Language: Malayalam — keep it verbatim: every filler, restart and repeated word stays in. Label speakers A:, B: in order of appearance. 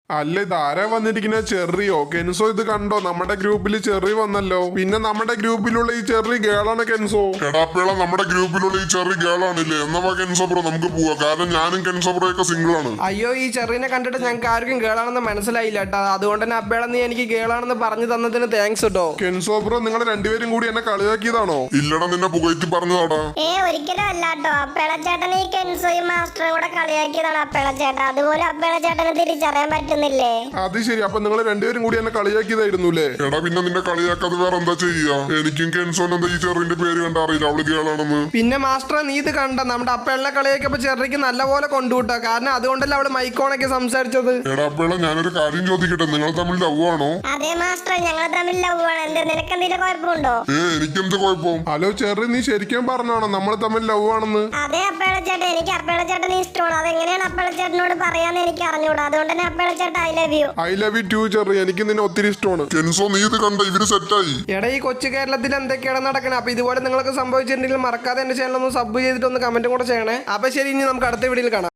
A: അല്ല ഇത് ആരാ വന്നിരിക്കുന്ന ചെറിയോ കെൻസോ? ഇത് കണ്ടോ നമ്മുടെ ഗ്രൂപ്പിൽ ചെറി വന്നല്ലോ. പിന്നെ നമ്മുടെ ഗ്രൂപ്പിലുള്ള ഈ ചെറി ഗേളാണ് കെൻസോ.
B: എടാപ്പേള നമ്മുടെ ഗ്രൂപ്പിലുള്ള ഈ ചെറി ഗേളാണില്ലേ? എന്നാ കെൻസോ ബ്രോ നമുക്ക് പോവാ. കാരണം ഞാനും കെൻസോ ബ്രോ ഒക്കെ സിംഗിൾ ആണ്.
C: അയ്യോ ഈ ചെറിനെ കണ്ടിട്ട് ഞങ്ങൾക്ക് ആർക്കും ഗേളാണെന്ന് മനസ്സിലായില്ല കേട്ടോ. അതുകൊണ്ട് തന്നെ അപ്പേള നീ എനിക്ക് ഗേളാണെന്ന് പറഞ്ഞു തന്നതിന് താങ്ക്സ് കേട്ടോ.
A: കെൻസോ ബ്രോ നിങ്ങൾ രണ്ടുപേരും കൂടി എന്നെ കളിയാക്കിയതാണോ?
B: ഇല്ലടാ നിന്നെ പുകഴ്ത്തി പറഞ്ഞതാടാ.
D: ഏ ഒരിക്കലും അല്ല കേട്ടോ. അപ്പേള ചേട്ടൻ ഈ കെൻസോയും മാസ്റ്ററും കൂടെ കളിയാക്കിയതാണ് അപ്പേള ചേട്ടൻ. അതുപോലെ അപ്പേള ചേട്ടന് തിരിച്ചറിയാൻ പറ്റുന്നില്ലേ?
A: അത് ശരി, അപ്പൊ നിങ്ങൾ രണ്ടുപേരും കൂടി എന്നെ കളിയാക്കിയതായിരുന്നു അല്ലേ?
B: എടാ പിന്നെ നിന്നെ കളിയാക്കാതെ വേറെ എന്താ ചെയ്യാ? എനിക്കും കെൻസോൻ എന്താ ഈ ചെറിന്റെ പേര് കണ്ട അറിയില്ല, അവള് ഗേളാണെന്ന്.
C: പിന്നെ മാസ്റ്റർ നീ ഇത് കണ്ട നമ്മുടെ അപ്പേളിനെ കളിയാക്കിയപ്പോ ചെറിക്ക് നല്ലപോലെ കൊണ്ടുവിട്ടോ. കാരണം അതുകൊണ്ടല്ലേ അവള് മൈക്കോണൊക്കെ സംസാരിച്ചത്.
B: എടാ അപ്പേള ഞാനൊരു കാര്യം ചോദിക്കട്ടെ, നിങ്ങൾ തമ്മിൽ ലവ് ആണോ?
D: അതെ മാസ്റ്റർ ഞങ്ങൾ തമ്മിൽ ലവ് ആണ്. എന്ത് നിനക്ക് എന്തെങ്കിലും കുഴപ്പമുണ്ടോ?
B: ഏ എനിക്കെന്ത് കുഴപ്പം?
A: ഹലോ ചെറി, നീ ശരിക്കും പറഞ്ഞാണോ നമ്മൾ തമ്മിൽ ലവ് ആണെന്ന്?
D: അതെ അപ്പേള ചേട്ടൻ, എനിക്ക് അപ്പേള ചേട്ടനെ ഇഷ്ടമാണ്. അതെങ്ങനെയാണ് അപ്പേള ചേട്ടനോട് പറയാന്ന് എനിക്ക് അറിഞ്ഞൂടാ. അതുകൊണ്ട് തന്നെ അപ്പേള ചേട്ടൻ I love you.
A: I love you too Cherry, എനിക്ക് നിന്നെ ഒത്തിരി ഇഷ്ടമാണ്.
B: കെൻസോ നീ ഇത് കണ്ട, ഇവര് സെറ്റായി.
C: എടാ ഈ കൊച്ചു കേരളത്തിൽ എന്തൊക്കെയാണ് നടക്കണേ? അപ്പൊ ഇതുപോലെ നിങ്ങൾക്ക് സംഭവിച്ചിട്ടുണ്ടെങ്കിൽ മറക്കാതെ എന്റെ ചാനൽ ഒന്ന് സബ് ചെയ്തിട്ട് ഒന്ന് കമന്റും കൂടെ ചെയ്യണേ. അപ്പൊ ശരി, ഇനി നമുക്ക് അടുത്ത വീഡിയോയിൽ കാണാം.